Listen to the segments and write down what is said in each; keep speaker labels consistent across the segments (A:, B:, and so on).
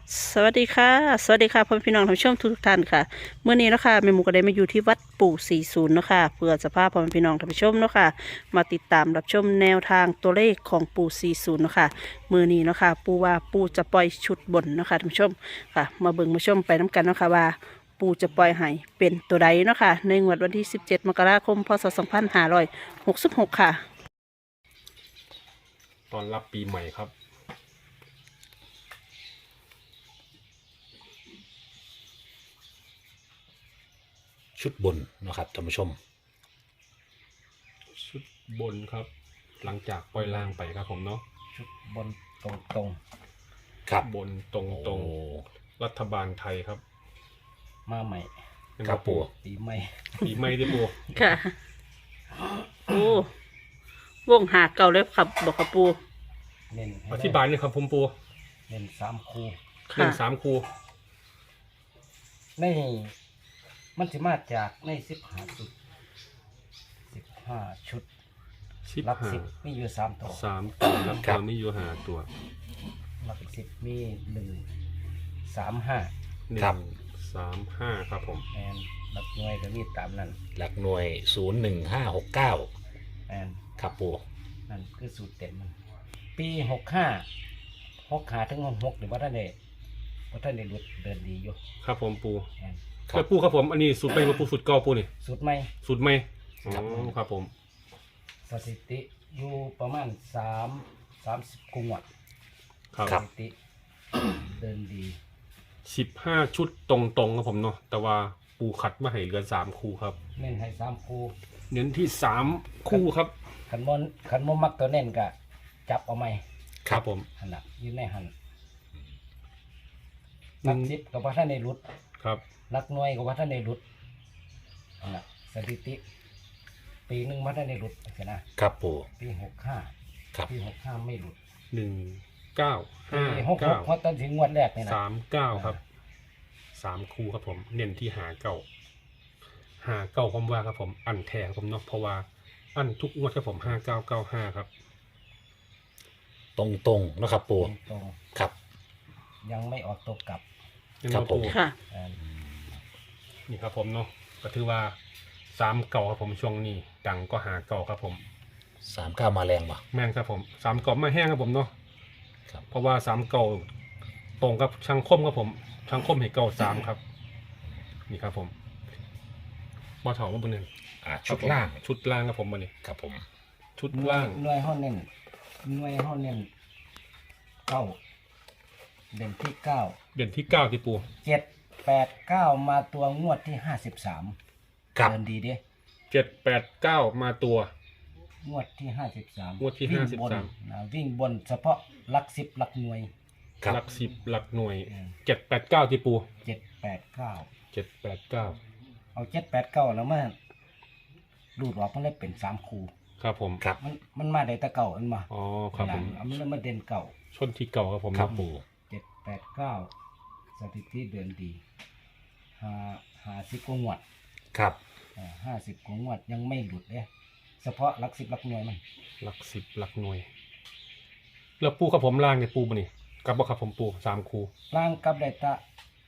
A: สวัสดีค่ะสวัสดีค่ะพ่อพี่น้องท่านผู้ชมทุกท่านค่ะเมื่อนี้เนาะคะแม่หมูก็ได้มาอยู่ที่วัดปู่40เนาะค่ะเพื่อจะพาพ่อพี่น้องท่านผู้ชมเนาะค่ะมาติดตามรับชมแนวทางตัวเลขของปู่40เนาะค่ะมื่อนี้เนาะค่ะปู่ว่าปู่จะปล่อยชุดบนเนาะค่ะท่านผู้ชมค่ะมาเบิ่งมาชมไปน้กันเนาะค่ะว่าปู่จะปล่อยให้เป็นตัวใดเนาะค่ะในงวดวันที่17มกราคมพศ2566ค่ะ
B: ตอนรับปีใหม่ครับ
C: ชุดบนนะครับท่านผู้ชม
B: ชุดบนครับ หลังจากปล่อยล่างไปครับผมเนาะ
D: ชุดบนตรง
C: ครับ
B: บนตรงตรง
C: โอ้
B: รัฐบาลไทยครับ
D: มาใหม่
C: ครับปู่
D: ปีใหม่
B: ปีใหม่ที่ปู
A: ค่ะโอ้วงหาเก่าเลยครับบอกกับปู่
D: เน้นให้
B: อธิบายหนี่อยครับผมปู
D: เน้น3 คู่
B: หนึ่งสามคู
D: ในมันสิมาจากใน15ชุด15ชุด
B: สิบ
D: หลัก
B: ห้า
D: 10มีอยู่3ตัว
B: สามตัวครับตอนนี้อยู่หาตัว
D: หลัก10มี1 3 5
B: หนึ่
C: ครับ
B: งสามห้าครับผม
D: แอนหลักหน่วยก็มีตามนั้น
C: หลักหน่วย01569
D: แอน
C: ครับปู่
D: นั่นคือสูตรเต็มมันปี65ถึง66หรือว่าท่านได้หลุดเดินดีอยู่
B: ครับผมปู
D: แอน
C: ครั
B: แล้ว
C: บ
B: ปูครับผมอันนี้สูตรเป็นปูสูตรเก่าปูนี่
D: สูตรใหม่
B: สูตรใหม่อ๋อ
D: ครับ
B: ครับผม
D: สถิติอยู่ประมาณ30กุงวด
B: ครับ
D: สถิติ เดินดี
B: 15ชุดตรงตรงครับผมเนาะแต่ว่าปูขัดมาให้เหลือ3คู่ครับ
D: เน้นให้3คู่
B: เน้นที่3คู่ครับ
D: ขันมมักตัวเน้นก็จับเอาไหม
B: ครับผม
D: หันน่ะอยืนในหัน
B: หนึ่
D: นัก
B: ง
D: สิบกับว่าท่านในรุด
B: ครับ
D: นักหน่วยกับว่าท่านในรุดหันน่ะสถิติ ปีหนึ่งว่าท่านในรุดใช่นะครับ
C: ปู่
D: ปี65
C: ครับ
D: ปี65ไม่รุด
B: 1 9
D: ปี
B: 5
D: 66เพราะตอนถึงงวดแรกนี่นะ
B: 9 3 9ครับ3คู่ครับผม เน้นที่หาเก้าผมว่าครับผมอันแท้ครับผมเนาะเพราะว่าอันทุกงวดครับผม5995ครับ
C: ตรงๆนะครับปู่
D: ตรง
C: ครับ
D: ๆยังไม่ออกตัวกลับ
C: ครับผม
A: ค่ะ
D: อ่า
B: นี่ครับผมเนาะก็ถือว่า3เก่าครับผมช่วงนี้ดังก็หาเก่าครับผม
C: 39มาแรงป่ะ
B: แม่นครับผม3เก่าไม่แห้งครับผมเนาะ
C: ครับ
B: เพราะว่า3เก่าตรงกับช่างคมครับผมช่างคมให้เก่า3ครับนี่ครับผมบอถอมาบนหนึ่ง
C: ชุดล่าง
B: ชุดล่างครับผมมาเนี่ย
C: ครับผม
B: ชุดล่าง
D: หน่วยห้อเน้นหน่วยห้อเน้นเก้าเด่นที่เก้า
B: เดือนที่9ที่ปู
D: 7 8 9มาตัวงวดที่53
C: ครับ
D: เดินดีเด้
B: 7 8 9มาตัว
D: งวดที่53
B: งวดที่
D: วิ่งบน
B: 53
D: วิ่งบนเฉพาะหลัก10หลักหน่วย
C: ครับ
B: หลัก10หลักหน่วย
D: อืม
B: 7 8 9ที่ปู
D: 7 8 9
B: 7 8 9
D: เอา7 8 9แล้วมารูดออกมันเลยเป็น3คู่
B: ครับผม
C: ครับ
D: มันมาได้แต่เก่าอันมา
B: อ๋อครับผม
D: เอามันเลยมาเด่นเก่า
B: ชนที่เก่าครับผม
C: ครับปู่
D: 7 8 9สถิติเดินดี50กว่างวด
C: ครับ
D: 50กว่างวดยังไม่หลุดเลยเฉพาะหลัก10หลักหน่วยมัน
B: หลัก10หลักหน่วย แล้วปูครับผมล่างเนี่ยปูมานี่กับบ่ครับผมปู3คู
D: ล่างกับได้ตะ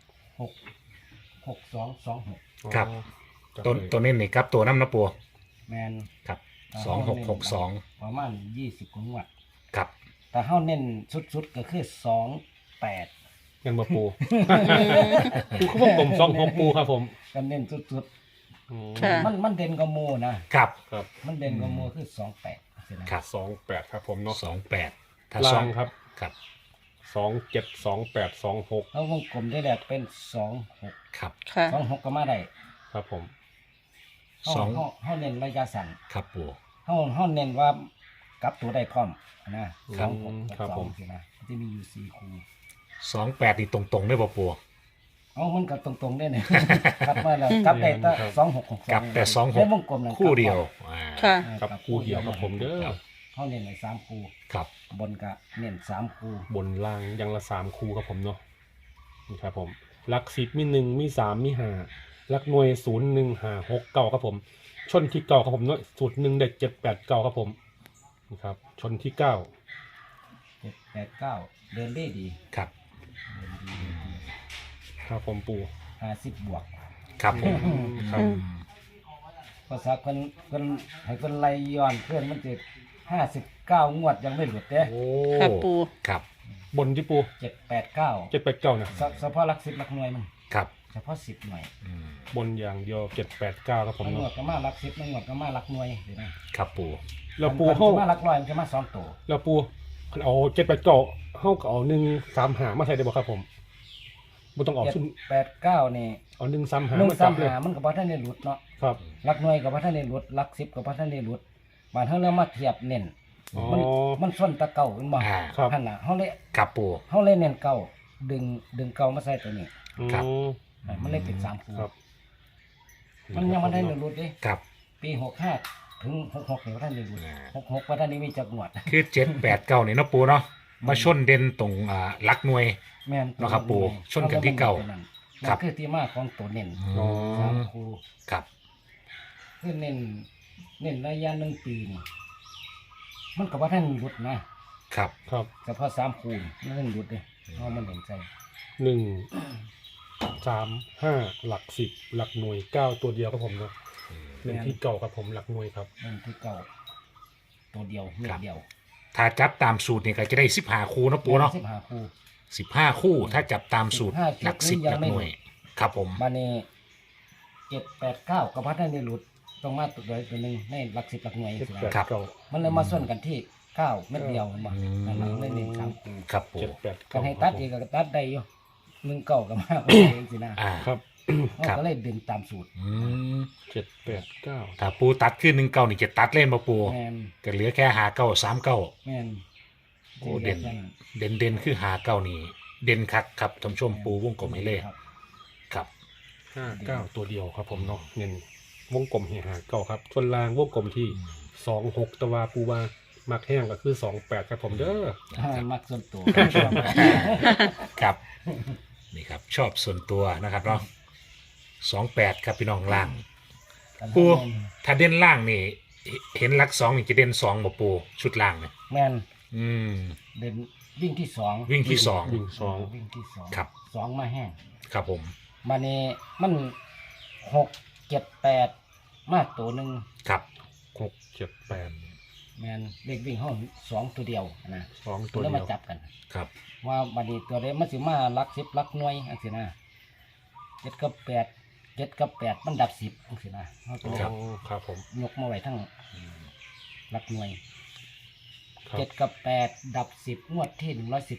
D: 6 2 2 6
C: ครับ
B: อ๋อจับ
C: ตัว
B: เลย
C: ตัวนี้นี่ครับตัวน้ำนะปู่
D: แมน
C: ครับ
D: ถ้า
C: 2662
D: ประมาณ20กว่างวด
C: ครับ
D: แต่เฮาเน้นสุดๆก็คือ28
B: เงินบ่ปู ปูเขาบอกผม2 6ปูครับผม
D: ก็เน้นสุด
B: อ๋อ
A: ค่ะ
D: ๆมันเด่นกว่าหมู่นะครับ
B: ครับ
D: มันเด่นกว่าหมู่คือ28สินะครับ
B: 28ครับผมเนาะ
C: 28ถ้า
B: ล่า
C: สอง ง
B: ครับ
C: ครับ
B: 27 28 26
D: เฮาวงกลมได้แหละเป็น26
C: ครับ
A: ค่ะ
D: 26ก็มาได้
B: ครับผม
D: เฮา
C: สอง
D: เฮาเน้นระยะสั้น
C: ครับปู่
D: เฮาเน้นว่ากลับตัวได้พร้อมนะ26
B: ครั
D: กั
B: บบ ผม
D: 2สินะมันจะมีอยู่4คู่
C: 28นี่ตรงๆได้ป่ะปู่
D: เอามันกับตรงๆได้เนี่ย กลับมาแล้วกลับได้แต่2662
C: กลับแต่
D: ในวงกลมนั่น
C: คู่เดียว
A: ค่ะ
B: กับคู่เดียวครับผมเด้อ
D: เขาเน้นใน3คู่
C: ครับ
D: บนก็เน้น3คู่
B: บนล่างยังละ3คู่ครับผมเนาะนี่ครับผมหลัก10มี1มี3มี5หลักหน่วย0 1 5 6 9ครับผม ชนที่เก่าครับผมเนาะสูตร1ได้7 8 9ครับผมนี่ครับชนที่9
D: 7 8 9เดินได้ดี
C: ครับ
D: เดินดี
B: ครับผมปู
D: 50บวก
C: ครับผม
B: ครับ
D: ภาษาคนให้คนไล่ย้อนเพื่อนมันจะ59งวดยังไม่หลุดเด้
C: โอ้
A: ค่ะปู
C: ครับ
B: บนที่ปู
D: 789
B: 789นะ
D: เฉพาะหลัก10หลักหน่วยมัน
C: ครับ
D: เฉพาะ10หน่วย
C: อืม
B: บนอย่างเดียว789ครับผม
D: มันงว
B: เนาะ
D: ดก็มาหลัก10มันงวดก็มาหลักหน่วยเห็นไหม
C: ครับปู
B: แล้วปู
D: มัน
B: เฮา
D: จะมาหลักร้อยมันจะมา2ตัว
B: แล้วปูคันเอา789เฮาก็เอา135มาใส่ได้บ่ครับผมบ่ต้องออกชุด
D: 789นี่
B: เอา135มาจับเลย
D: 135มันก็บ่ทันได้หลุดเนาะ
B: ครับ
D: หลักหน่วยก็บ่ทันได้หลุดหลัก10ก็บ่ทันได้หลุดบาดเฮาเลยมาเทียบเน้น
B: อ๋อ
D: มันส้นตะเก่าแม่นบ่
C: อ่า
B: ครับ
D: หั่นน่ะเฮาเลย
C: ครับปู
D: เน้นเก่าดึงเก่ามาใส่ตัวนี้
C: ครับ
B: อ๋อ
D: มันเลยเป็น3คู่
B: ครับ
D: มันยังบ่ได้หลุดเด้
C: ครับ
D: ปี65ถึง66นี่บ่ทันได้หลุด66บ่ทันได้มีจักงวด
C: คือ789นี่เนาะปูเนาะมาชนเด่นตรงหลักหน่วย
D: แม่น
C: เนาะครับปู่ชนกันที่เก่า
D: นั่น
C: ครับ
D: คือที่มาของตัวเน้น
B: อ๋อ
D: 3คู่
C: ครับ
D: คือเน้นระยะ1ปีนี่มันก็บ่ทันหลุดนะครับ
B: ครับ
D: เฉพาะ3คู่มันทันหลุดเด้เพราะมันเห็นใจ
B: 135หลัก10หลักหน่วย9ตัวเดียวครับผมเนาะเล่นที่เก่าครับผมหลักหน่วยครับ
D: นั่นคือเก่าตัวเดียวเม็ดเดียว
C: ถ้าจับตามสูตรนี่ก็จะได้15คู่เนาะปูเนาะ
D: 15คู่
C: 15คู่ถ้าจับตามสูตร
D: 15
C: หลัก10
D: ยั
C: หลั
D: ง
C: ก
D: ไม่
C: หน่วย ครับผม
D: บานี้789ก็พัฒนาในหลุดต้องมาตัวใดตัวหนึงในหลัก10หลักหน่วยสินะ
C: ครับ
D: มันเลยมาส่วนกันที่9เม็ดเดียวมันบ่
C: อืม
D: นั่นล่ะเลยเน้น3คู่
C: ครับปู
D: ก็ให้ตัดอีกก็ตัดได้อยู่1เก่าก็มาเองสินะ
C: อ่า
B: ครับ
D: เราก็เลยดึงตามสูตร
C: อืม
B: 789
C: ถ้าปูตัดขึ้น19นี่จะตัดเล่นมาปู
D: แม่น
C: ก็เหลือแค่59
D: แม่น
C: โอ้เด่น เด่นคือ59นี่ เด่นคักครับท่านผู้ชมปูวงกลมให้เลย
D: ครับ
C: ครับ
B: 59ตัวเดียวครับผมเนาะเงินวงกลม59ครับส่วนล่างวงกลมที่26ตะวาปูว่ามักแห้งก็คือ28ครับผมเด้อ
D: มักส่วนตัว
C: ครับ นี่ครับ ชอบส่วนตัวนะครับเนาะ28ครับพี่น้องล่าง ปู ถ้าเด่นล่างนี่ เห็นหลัก2นี่จะเด่น2บ่ปูชุดล่างเนี่ย
D: แม่น
C: อืม
D: เด่นวิ่งที่2
C: วิ่งที่
B: วิ่ง
D: วิ่งที่2
C: ครับ
D: 2มาแห้ง
C: ครับผม
D: มานี่มัน6 7 8มาตัวหนึ่ง
C: ครับ
B: 2 6 7 8
D: แมนเด็กวิ่งห้อง2ตัวเดียวนะ
B: 2
D: ตั
B: ตัว ว
D: แล้ว
B: เดี
D: มา
B: ยว
D: จับกัน
C: ครับ
D: ว่าบัดนี้ตัวเดียวมันสิมาลัก10ลักหน่วยอันสินะ7กับ8 7กับ8มันดับ10อันสินะเขาก็
B: อ๋อครับผม
D: ยกมาไว้ทั้งลักหน่วย
B: ครับ
D: 7กับ8ดับ10งวดที่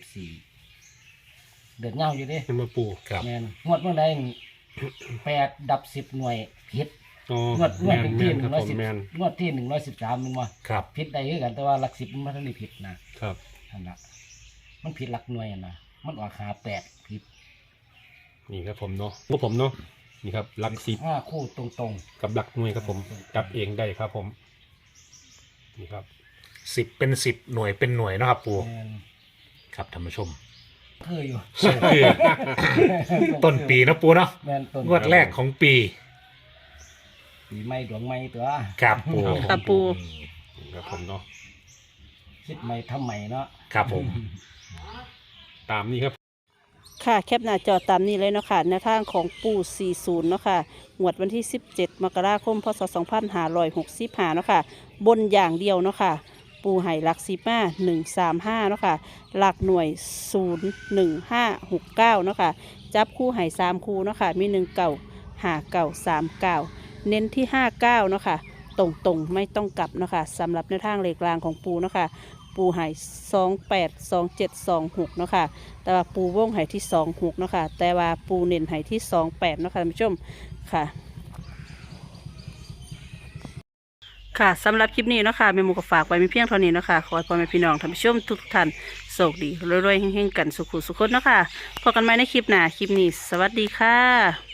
D: 114เดือดเงาอยู่เดิ
B: เป็นมาปู
C: ครับ
D: แมนงวดเมื่อใด8ดับ10หน่วยผิด
B: อ๋อง
D: วด
B: แมน
D: เป็น
B: แม
D: ที่
B: นครับผมแมน
D: 110งวดที่113มันว่า
C: ครับ
D: ผิดได้คือกันแต่ว่าหลัก10มันบ่ทันได้ผิดนะครับ นั่นล่ะมันผิดหลักหน่วยอะนะมันออกหา8ผิด นี่
B: นี่ครับผมเนาะพวกผมเนาะนี่ครับหลัก10
D: 5คู่ตรง
B: กับหลักหน่วยครับผมจับเองได้ครับผมนี่ครับ
C: 10เป็น10หน่วยเป็นหน่วยเนาะครับปู
D: ๆแม่น
C: ครับท่านผู้ชม
D: คืออยู่
C: ส่งคือ ต้นปีเนาะปูเนาะ
D: แม่นต้น
C: งวดแรกของปี
D: ปีใหม่ดวงใหม่ตัว
C: ครับปู
A: ครับปู
B: นี่ครับผมเนาะ
D: คิดใหม่ทำใหม่เนาะ
C: ครับผม
B: ตามนี้ครับ
A: ค่ะแคปหน้าจอตามนี้เลยเนาะค่ะในทางของปู่40เนาะค่ะงวดวันที่ 17 มกราคม พศ 2565เนาะค่ะบนอย่างเดียวเนาะค่ะปูไห่หลัก10มา135เนาะค่ะหลักหน่วย 01569เนาะค่ะจับคู่ไห่3คู่เนาะค่ะมี1เก่า5เก่า3เก่าเน้นที่59เนาะค่ะตรงๆไม่ต้องกลับเนาะค่ะสำหรับในทางเลขกลางของปูเนาะค่ะปูไห่28 27 26เนาะค่ะแต่ว่าปูวงไห่ที่26เนาะค่ะแต่ว่าปูเน้นไห่ที่28เนาะค่ะท่านผู้ชมค่ะ ค่ะสำหรับคลิปนี้เนาะค่ะแม่หมูก็ฝากไว้มีเพียงเท่านี้เนาะค่ะขอให้พ่อแม่พี่น้องท่านผู้ชมทุกท่านโชคดีรวยๆเฮงๆกันสุขุสุขคนเนาะค่ะพบกันใหม่ในคลิปหน้าคลิปนี้สวัสดีค่ะ